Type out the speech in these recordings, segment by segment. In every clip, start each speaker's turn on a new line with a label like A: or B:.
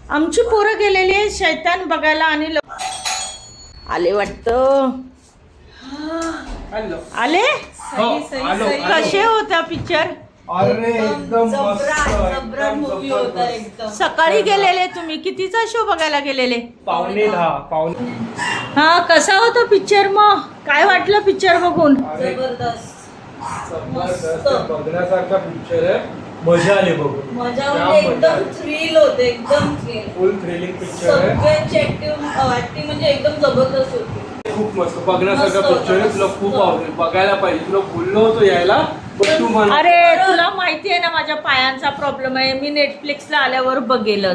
A: आमची पोरं गेलेली आहे शैतान बघायला आणि आले वाटतं. आले कसे होता पिक्चर?
B: अरे एकदम
C: मूवी होता एकदम.
A: सकाळी गेलेले तुम्ही, कितीचा शो बघायला गेलेले?
B: 9:30.
A: हा, कसा होता पिक्चर? मग काय वाटलं पिक्चर बघून?
C: जबरदस्त
B: बघण्यासारखा पिक्चर आहे. मजा आली बघून.
C: मजा म्हणजे एकदम थ्रिल होते, एकदम थ्रिल.
B: फुल थ्रिलिंग पिक्चर आहे.
C: सगळ्यांची ऍक्टिंग म्हणजे एकदम जबरदस्त होती.
B: खूप मस्त बघण्यासारखा पिक्चर आहे. तुला खूप आवडेल, बघायला पाहिजे. तुला बोललो होतो यायला.
A: अरे तुला माहिती आहे ना माझ्या पायांचा प्रॉब्लेम आहे. मी नेटफ्लिक्सला आल्यावर बघेलच.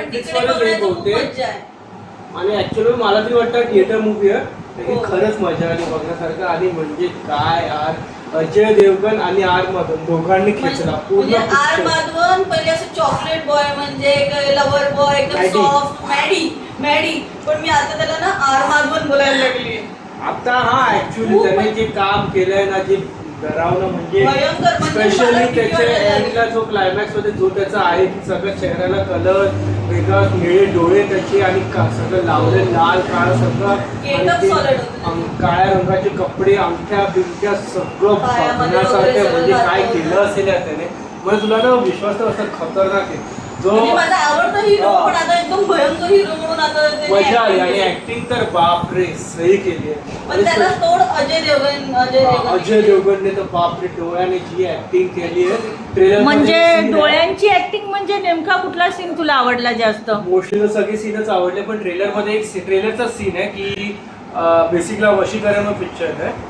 B: आणि ऍक्च्युअली मला तरी वाटतं थिएटर मूवी आहे. खरंच मजा आली बघण्यासारखं. आणि म्हणजे काय यार, अजय देवगण आणि आर माधवन दोघांनी खेचला पूर्ण.
C: आर माधवन पहिले असं चॉकलेट बॉय म्हणजे लव्हर बॉय एकदम सॉफ्ट मॅडी पण मी आता त्याला ना आर माधवन बोलायला लागली
B: आता. हा ऍक्च्युअली त्याने जे काम केलंय ना, जे डरावणं म्हणजे स्पेशली त्याच्या एंडला जो क्लायमॅक्स मध्ये जो त्याचा आहे की सगळं चेहऱ्याला कलर वेगळा, निळे डोळे त्याचे आणि सगळं लावले लाल काळ सगळं, काळ्या रंगाचे कपडे, अंगठ्या बिंगठ्या सगळं बघण्यासारखं. म्हणजे काय केलं असेल त्याने. म्हणजे तुला ना विश्वास तर असं खतरनाक आहे. जो
C: माझा आवडता हिरो पण आता एकदम भयंकर हिरो म्हणून आता
B: मजा आली. आणि ऍक्टिंग तर बापरे सही केली आहे.
C: पण त्याला तोड अजय
B: देवगणने तर बापरे डोळ्याने जी ऍक्टिंग केली आहे ट्रेलर
A: म्हणजे डोळ्यांची ऍक्टिंग म्हणजे नेमका कुठला सीन तुला आवडला जास्त?
B: मोस्टली तर सगळे सीनच आवडले, पण ट्रेलर मध्ये एक ट्रेलरचा सीन आहे की बेसिकला वशीकरण पिक्चर आहे.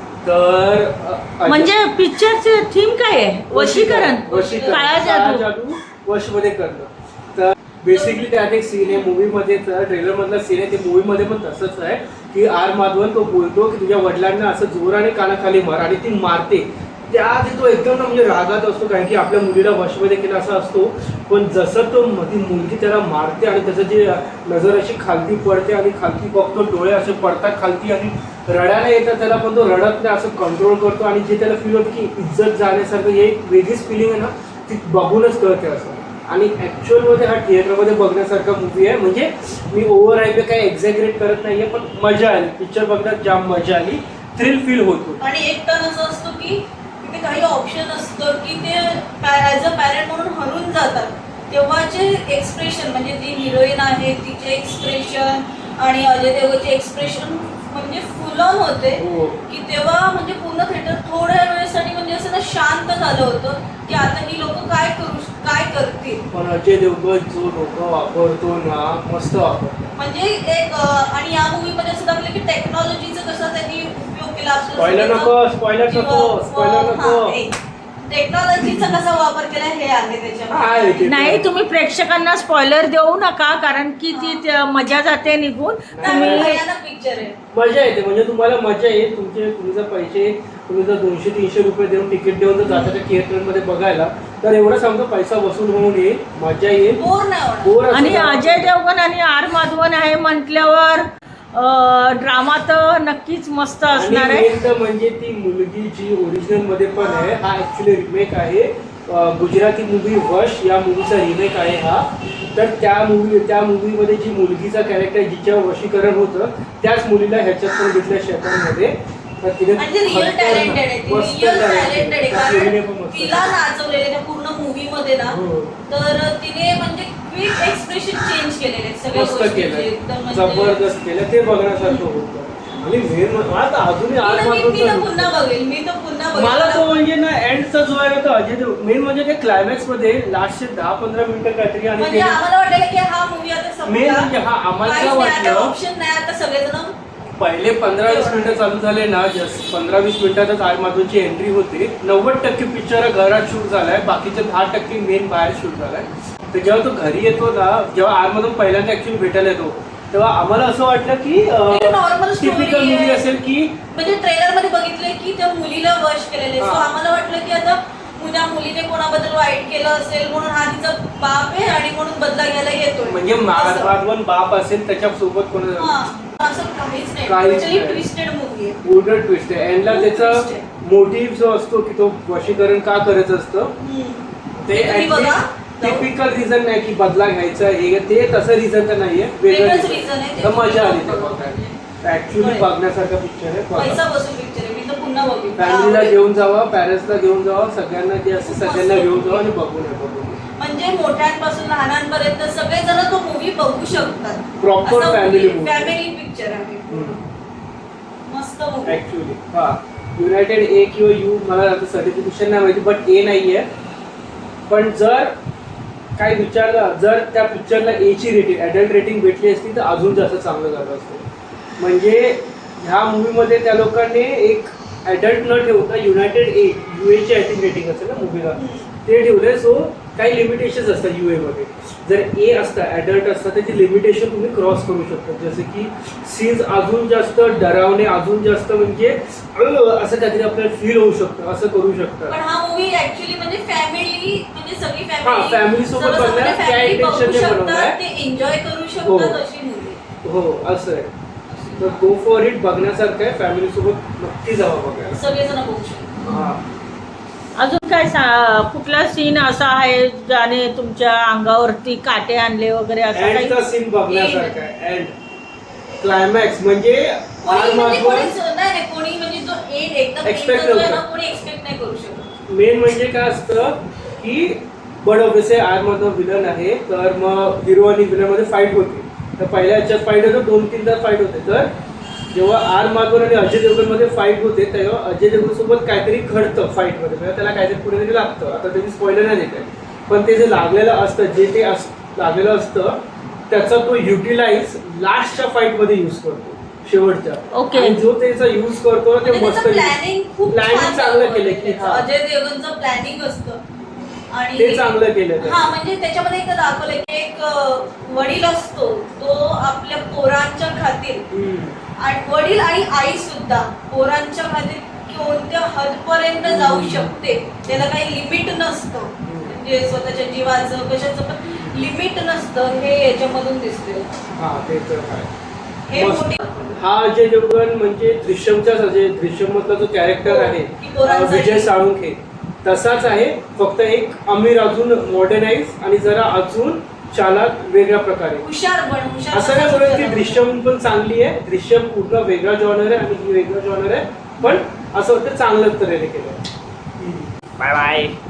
B: तर म्हणजे
A: पिक्चरची थीम काय आहे? वशीकरण, काळा जादू
B: वश मध्ये करणं. तर बेसिकली त्यात एक सीन आहे मूवी मध्ये, ट्रेलर मधला सीन आहे. ते मूवी मध्ये पण तसंच आहे की आर माधवन तो बोलतो की तुझ्या वडिलांना असं जोराने कानाखाली मार, आणि ती मारते. त्याआधी तो एकदम म्हणजे रागात असतो कारण की आपल्या मुलीला वशमध्ये केला असा असतो. पण जसं तो ती मुलगी त्याला मारते आणि त्याचं जे नजर अशी खालती पडते आणि खालती बघतो, डोळे असे पडतात खालती आणि रडायला येतात त्याला, पण तो रडत नाही, असं कंट्रोल करतो. आणि जे त्याला फील होतं की इज्जत जाण्यासारखं हे एक वेगळीच फिलिंग आहे ना, ती बघूनच कळते असं. आणि ऍक्च्युअलमध्ये हा थिएटरमध्ये बघण्यासारखा मूवी आहे. म्हणजे मी ओव्हर हायप काही एक्झॅग्रेट करत नाहीये, पण मजा आली. पिक्चर बघण्यात जाम मजा आली, थ्रिल फील होतो.
C: आणि एक टर्न असं असतो की तिथे काही ऑप्शन असतं की ते ॲज अ पॅरेंट म्हणून हरून जातात. तेव्हाचे एक्सप्रेशन म्हणजे जी हिरोईन आहे तिचे एक्सप्रेशन आणि अजय देवगणचे एक्सप्रेशन म्हणजे फुल ऑन होते की तेव्हा म्हणजे पूर्ण थिएटर थोड्या वेळेसाठी म्हणजे असं ना शांत झालं होतं की आता ही लोक काय करतील.
B: पण अजय देवगण जो डोकं वापरतो ना, मस्त वापरतो.
C: म्हणजे एक आणि या मूवी मध्ये असं दाखवलं की टेक्नॉलॉजीचा कसा त्यांनी उपयोग केला.
B: स्पॉइलर नको.
C: टेक्नॉलॉजीचा कसा वापर केला हे आहे त्याच्यामध्ये.
A: नाही, तुम्ही प्रेक्षकांना स्पॉइलर देऊ नका कारण की ती मजा जाते निघून.
C: पिक्चर आहे,
B: मजा येते. म्हणजे तुम्हाला मजा येईल. तुमचे पैसे तुम्ही जर 200-300 रुपये देऊन तिकीट देऊन जर जाता त्या थिएटरमध्ये बघायला, तर एवढं सांगतो पैसा वसूल होऊन येईल, मजा येईल.
C: बोर
A: आणि अजय देवगण आणि आर माधवन आहे म्हटल्यावर ड्रामा तर नक्कीच मस्त असणार आहे.
B: म्हणजे ती मुलगी जी ओरिजिनल मध्ये पण आहे, हा ऍक्च्युली रिमेक आहे. गुजराती मूवी वश या मूवीचा रिमेक आहे हा. तर त्या मूवीमध्ये जी मुलगीचा कॅरेक्टर जिच्यावर वशीकरण होतं, त्याच मुलीला ह्याच्यात पण घेतल्या शैतानमध्ये. तर तिने
C: रिअल टॅलेंटेड आहे. तिला नाचवलेले त्या पूर्ण मूवी मध्ये ना, तर तिने म्हणजे क्विक एक्सप्रेशन चेंज केलेले सगळे
B: मस्त केलं, जबरदस्त केलं. ते बघण्यासारखं होतं. आणि मला अजूनही आज मला तो म्हणजे ना एंडचा जो आहे तो अजय देव मेन म्हणजे ते क्लायमॅक्स मध्ये लास्टचे 10-15 मिनिटं काहीतरी. आणि
C: आम्हाला वाटलं की हा मूवी आता
B: मेन म्हणजे हा आम्हाला वाटलं
C: ऑप्शन नाही. आता सगळेजण
B: पहिले 15-20 मिनिटं चालू झाले ना, जस्ट 15-20 मिनिटातच आर माधवनची एंट्री होते. 90% पिक्चर घरात शूट झालाय, बाकीचे 10% मेन बाहेर शूट झालाय. तर जेव्हा तो घरी येतो ना, जेव्हा आर माधवन पहिल्यांदा ऍक्च्युअली भेटायला येतो, तेव्हा आम्हाला असं वाटलं की
C: नॉर्मल
B: टिपिकल मूवी असेल की
C: म्हणजे ट्रेलर मध्ये बघितलंय की त्या मुलीला वश केलेले. सो आम्हाला वाटलं की आता त्या मुलीने कोणाबद्दल वाईट केलं असेल म्हणून हा तिचा बाप आहे आणि म्हणून बदला घ्यायला येतोय.
B: म्हणजे माधवन बाप असेल त्याच्यासोबत कोण
C: असं काहीच नाही. ट्विस्टेड मूवी आहे,
B: पूर्ण ट्विस्ट आहे. एंडला त्याचा मोटिव्ह जो असतो की तो वशीकरण का करत असतं ते टिपिकल रिझन नाही की बदला घ्यायचा हे ते तसं रिझन तर नाहीये,
C: वेगळंच reason आहे.
B: तर मजा आली ते बघायला. ऍक्च्युली बघण्यासारखा पिक्चर आहे.
C: पैसा बसून पिक्चर आहे, मी तर पुन्हा बघेन.
B: फॅमिलीला घेऊन जावा, पॅरेंट्सला घेऊन जावा, सगळ्यांना जे असं सगळ्यांना घेऊन जावा आणि बघून
C: म्हणजे मोठ्यांपासून लहानांपर्यंत सगळे जण तो मूवी बघू शकतात.
B: Proper family movie,
C: family picture आहे. मस्त मूवी
B: ऍक्च्युली. हा युनायटेड ए किंवा यू मला आता सर्टिफिकेशन नाही माहिती, बट ए नाहीये. पण जर काय विचारलं, जर त्या पिक्चरला ए ची रेटिंग, ॲडल्ट रेटिंग भेटली असती तर अजून जास्त चांगलं झालं असतं. म्हणजे ह्या मूवीमध्ये त्या लोकांनी एक ॲडल्ट न ठेवता युनायटेड ए UA ची आय थिंक रेटिंग असेल ना मूवीला, ते ठेवले. सो काही लिमिटेशन्स असतात UA मध्ये. जर ए असतं, ॲडल्ट असतं, त्याची लिमिटेशन तुम्ही क्रॉस करू शकता. जसं की सीन्स अजून जास्त डरावणे, अजून जास्त म्हणजे असं काहीतरी आपल्याला फील होऊ शकतं, असं करू शकतं.
C: पण हा मूवी ऍक्च्युअली म्हणजे फॅमिली, म्हणजे सगळी
B: फॅमिली सोबत बघण्यात त्या इंटेन्शनने बनवलाय,
C: ते एन्जॉय करू शकतात अशी मूवी.
B: हो असं आहे. तर गो फॉर इट, बघण्यासारखं आहे. फॅमिली सोबत नक्की जावा बघायला,
C: सगळेजण बघू शकतात.
B: हा.
A: अजून काय कुठला सीन असा आहे ज्याने तुमच्या अंगावरती काटे आणले वगैरे असं काही?
B: एंडचा सीन बघण्यासारखा आहे. एंड क्लायमॅक्स म्हणजे
C: कोणी म्हणजे कोणी म्हणजे जो एंड एकदम
B: Expect
C: end जो आहे ना,
B: नव्हतं.
C: कोणी एक्सपेक्ट नाही करू शकत.
B: मेन म्हणजे काय असतं की बड ऑब्विसली आर मधला विलन आहे, तर मग हिरो आणि विलन मध्ये फाईट होते. तर पहिल्या ह्याच्यात फाईट होतं, 2-3 फाईट होते. तर जेव्हा आर माधवन आणि अजय देवगण मध्ये फाईट होते तेव्हा अजय देवगण सोबत काहीतरी घडतं फाईट मध्ये, म्हणजे त्याला काहीतरी कुठेतरी लागतं. आता त्याची स्पॉइलर नाही देत आहे, पण ते जे लागलेलं असतं, जे ते लागलेलं असतं त्याचा तो युटिलाइज लास्टच्या फाईट मध्ये यूज करतो, शेवटच्या.
A: Okay.
B: आणि जो त्याचा यूज करतो ते
C: म्हणजे
B: मस्त
C: त्याचं planning खूप
B: प्लॅनिंग
C: छान
B: चांगलं केलं की
C: त्याचं. अजय देवगणचं प्लॅनिंग असतं आणि
B: ते चांगलं केलं त्याने.
C: हा म्हणजे त्याच्यामध्ये एक दाखवलं की एक वडील असतो, तो आपल्या पोरांच्या खातीर, आणि वडील आणि आई सुद्धा पोरांच्या खातीर कोणत्या हदपर्यंत जाऊ शकते, त्याला काही लिमिट नसतं. म्हणजे स्वतःच्या जीवाचं कशाचं पण लिमिट नसतं, हे याच्यामधून दिसते.
B: हा ते तर आहे.
C: हे
B: मस्त.
C: मोठी
B: हा अजय देवगण म्हणजे दृश्यमचाच अजय, दृश्यम मधला जो कॅरेक्टर आहे
C: की पोरांचा
B: विजय साळुंखे तसाच आहे, फक्त एक अमीर अजून मॉडर्नाइज आणि जरा अजून चालाक वेगळ्या प्रकारे.
C: हुशार
B: असं नाही बोलत की दृश्यम पण चांगली आहे, दृश्यम पूर्ण वेगळा जॉनर आहे आणि ही वेगळा जॉनर आहे, पण असं वाटतं चांगलं तऱ्हेने केलं.
D: Bye bye.